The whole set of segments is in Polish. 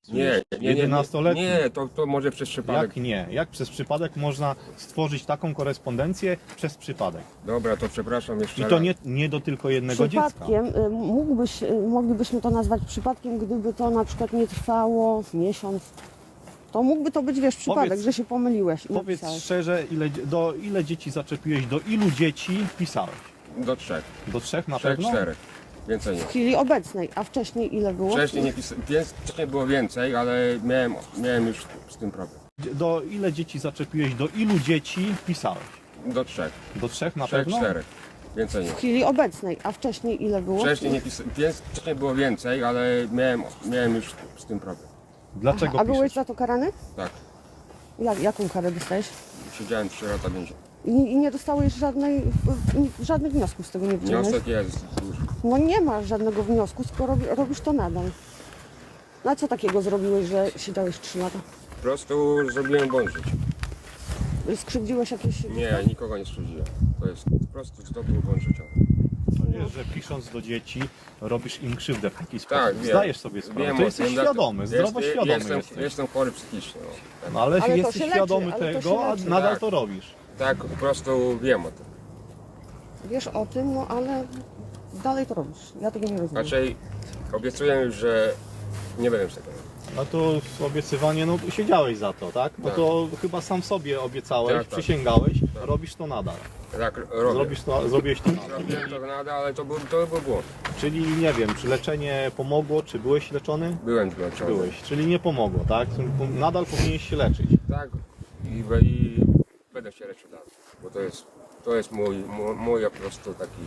Nie, 11-letni? Nie, to może przez przypadek. Jak nie? Jak przez przypadek można stworzyć taką korespondencję przez przypadek? Dobra, to przepraszam jeszcze I to raz. nie do tylko jednego dziecka. Przypadkiem, moglibyśmy to nazwać przypadkiem, gdyby to na przykład nie trwało miesiąc. To mógłby to być, wiesz, przypadek, Powiedz- że się pomyliłeś i Powiedz napisałeś. szczerze, ile dzieci zaczepiłeś, do ilu dzieci pisałeś? Do 3. Do 3 na 3, pewno? 4. Więcej nie. W chwili obecnej, a wcześniej ile było? Wcześniej było więcej, ale miałem już z tym problem. Do ile dzieci zaczepiłeś, do ilu dzieci pisałeś? Do 3. Do 3 na 3, pewno? 4. Więcej nie. W chwili obecnej, a wcześniej ile było? Wcześniej było więcej, ale miałem już z tym problem. Dlaczego A byłeś piszesz? za to karany? Tak. Jaką karę dostałeś? Siedziałem 3 lata więzienia. I nie dostałeś żadnych wniosków z tego nie wyciągnąłeś? Wniosek jest duży. No nie ma żadnego wniosku, skoro robisz to nadal. No a co takiego zrobiłeś, że siedziałeś 3 lata? Po prostu zrobiłem błąd w życiu. Skrzywdziłeś jakieś... Nie, nikogo nie skrzywdziłem. To jest po prostu to był błąd życiowy. Wiesz, że pisząc do dzieci robisz im krzywdę w taki sposób. Tak, wiem. Zdajesz sobie sprawę. Wiem To o jesteś tym, świadomy, zdrowo świadomy jesteś. Jestem chory psychicznie. No. Tak. No ale, Ale to jesteś się leczy, świadomy ale to tego, się a leczy. nadal Tak. to robisz. Tak, po prostu wiem o tym. Wiesz o tym, no ale dalej to robisz. Ja tego nie rozumiem. Raczej obiecuję, że nie będę już tego robił. A to obiecywanie, no siedziałeś za to, tak? No Tak. to chyba sam sobie obiecałeś, Tak, tak. przysięgałeś, robisz to nadal. Tak, robię. Zrobiś to nadal. Zrobiłem to nadal, ale to był błąd. Czyli nie wiem, czy leczenie pomogło, czy byłeś leczony? Byłem zmęczony. Byłeś, czyli nie pomogło, tak? Nadal powinieneś się leczyć. Tak, i będę się leczył dalej. Bo to jest mój po prostu taki...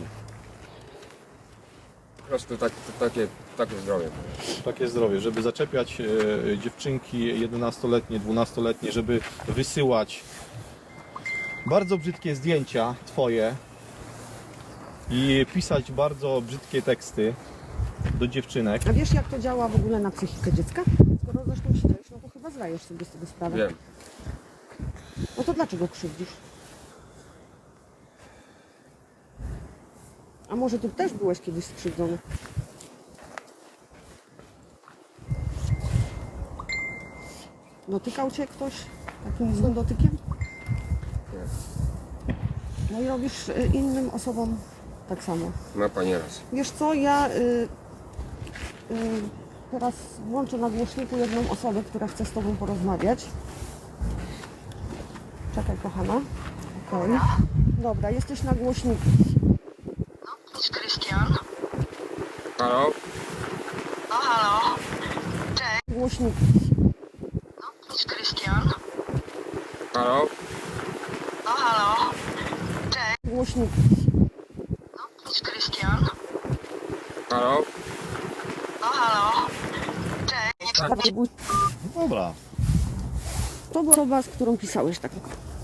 Po prostu takie zdrowie. Takie zdrowie, żeby zaczepiać dziewczynki 11-letnie, 12-letnie, żeby wysyłać bardzo brzydkie zdjęcia twoje i pisać bardzo brzydkie teksty do dziewczynek. A wiesz, jak to działa w ogóle na psychikę dziecka? Skoro zresztą siedziałeś, no to chyba zdajesz sobie z tego sprawę. Wiem. No to dlaczego krzywdzisz? A może ty też byłeś kiedyś skrzywdzony? Dotykał cię ktoś takim złym dotykiem? No i robisz innym osobom tak samo. Ma pani rację. Wiesz co, ja teraz włączę na głośniku jedną osobę, która chce z tobą porozmawiać. Czekaj, kochana. Okej. Dobra, jesteś na głośniku. Cześć, Krystian. Halo? No halo. Głośniku. Cześć, Krystian. Halo? No halo. Głośniku. Cześć, Krystian. Halo? No halo. Dobra, To była osoba, z którą pisałeś tak.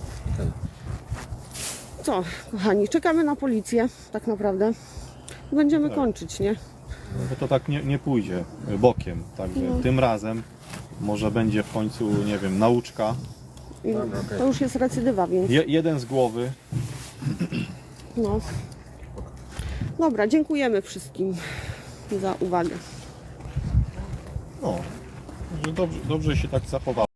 Co, kochani, czekamy na policję, tak naprawdę. Będziemy kończyć, nie? bo to tak nie pójdzie bokiem, także tym razem może będzie w końcu, nie wiem, nauczka. I to już jest recydywa, więc Jeden z głowy. no. Dobra, dziękujemy wszystkim za uwagę. No, że dobrze się tak zachował.